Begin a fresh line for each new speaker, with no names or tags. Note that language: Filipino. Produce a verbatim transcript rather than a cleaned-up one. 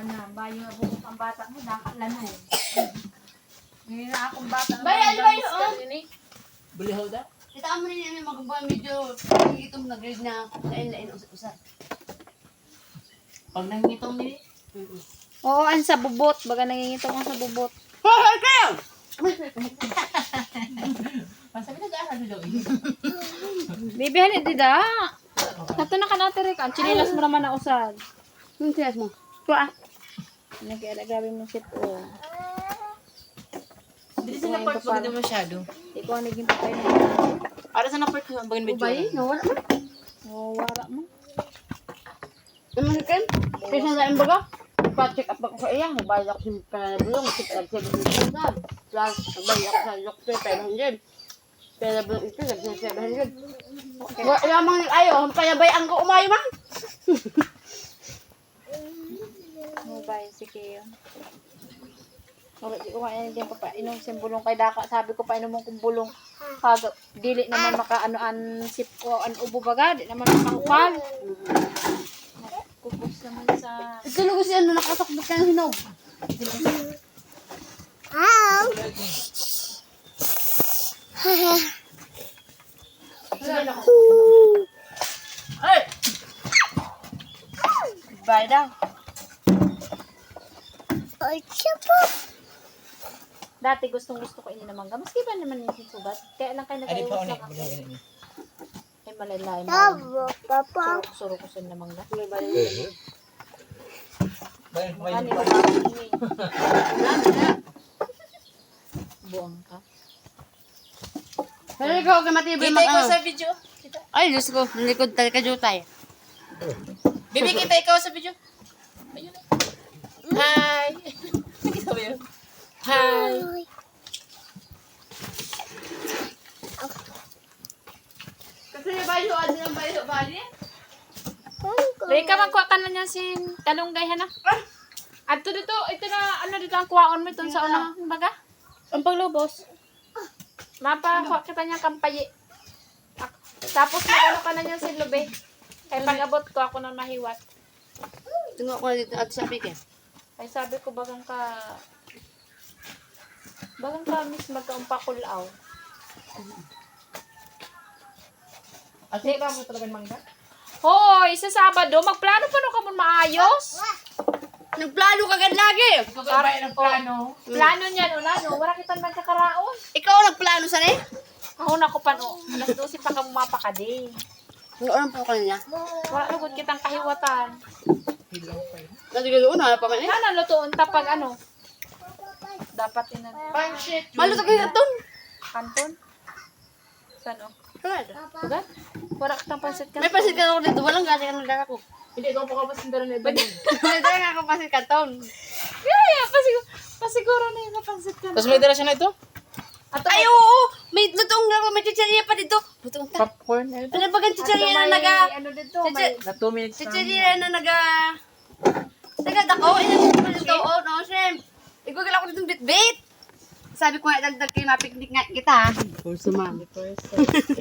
na, bayo na bukong ang bata mo, nakalano. Ngayon na akong bata.
Bayan, bayan,
ini.
Bulihaw da?
Kita mo rin yung magbubuhay medyo itong nag-grade na lain-lain usap-usap.
Pag nangitong nini.
Oo, ang sa bubot. Baga nangingitong ang sa bubot.
Hoy, kayo!
Masabi nag-aaral na daw eh.
Baby, halit dida. Nato na ka natin rin. Ang chinilas mo naman na usad.
Yung tiyas mo.
Ito ah. Nag-iala, grabe mong sip o.
Hindi sila part pag hindi masyado.
Ikaw ang naging patay na.
Para sa na-part ko bagin medyo.
Ubay, nawala mo.
Oo, wala mo.
Naman ka kin? Kaya sa lain baga? Pa-check up ako sa iya. Nabayad ako sa pananabulong. Check up sa bulong. Plus, nabayad ako sa doktor. five hundred. Pero bulong ito, nagsa seven hundred. Wala lamang ayaw. Payabayaan ko umayo man.
Mobile, sige yun. Okay, di ko kaya hindi pa pa inom siyang bulong kay Daka. Sabi ko pa inom kong bulong. Kag dili naman makaano-an sip ko an ubo baga. Di naman makahukal. Kupos naman sa...
Ito lugo siya na nakasakbot ka ng hinog.
Ay!
Bye daw. Dati gustong gusto ko ini naman ga. Maski ba naman yung sugat? Kaya lang kayo
Ay, di pa
nag-ayos
ulit.
lang ako.
Bulihaw ini.
Ay malalay mo. Surok-surok ko sa naman ga.
Bayan,
Ano
bayan.
ba ba ini? Buang ka.
Pero ikaw kay matibay
Kita ikaw
makano.
sa video. Kita.
Ay, Diyos ko. Nalikod talaga jutay.
Bibi, kita ikaw sa video. Ayun. Hi! Nakita mo yun? Hi!
Kasi yung bayo, ano yung bayo, bayo?
Rika, magkuha ka na niya sin talunggay ha na. At dito, ito na, ano dito ang kuwaon mo ito sa unang baga? Ang paglubos. Mapakuha kita niya kampayi. Tapos mag-ano ka na niya sin lube. Kaya pag-abot ko, ako na mahiwat.
Tungo ko na dito at sabi ka.
Ay sabi ko, bagang ka, bagang ka miss magkaumpakulaw.
At hindi ba mo talaga mangga?
Hoy, sa Sabado, magplano pa no ka mo maayos?
Nagplano ka agad lagi.
Ikaw ba bayan ng plano?
Plano niyan, una, no? Wala kita man kakaraon.
Ikaw nagplano sa ni?
Ako na ko pa, no? Alas dose pa ka mapakadi.
Ang oran po ka niya.
Wala lugod kitang kahiwatan.
Nagigalo na pa man eh.
Sana lutuon tapag ano? Dapat ina
Pansit!
Malo ta kay katon.
kanton. Saan oh?
Kalad.
Sugat? Wala kitang pansit ka.
May pasit ka ako dito, walang galing ka ng dala ko.
Hindi, ikaw pa kapag sindaran na iba.
May dala nga ako pasit katon.
Kaya, pasiguro, pasiguro na yung pansit ka.
Tapos may dala siya na ito?
Ato,
Ay, oo! May lutoong nga, may chicharia pa dito. Lutoong ta.
Popcorn.
Ano ba gan chicharia na
may,
naga...
ano dito, may,
Na two minutes na.
Chicharia na naga... Naga dako, ilan mo dito, oh, no, shrimp. Igugol ako dito bit-bit. Sabi ko nga, dagdag kayo mapiknik nga kita. For sumama.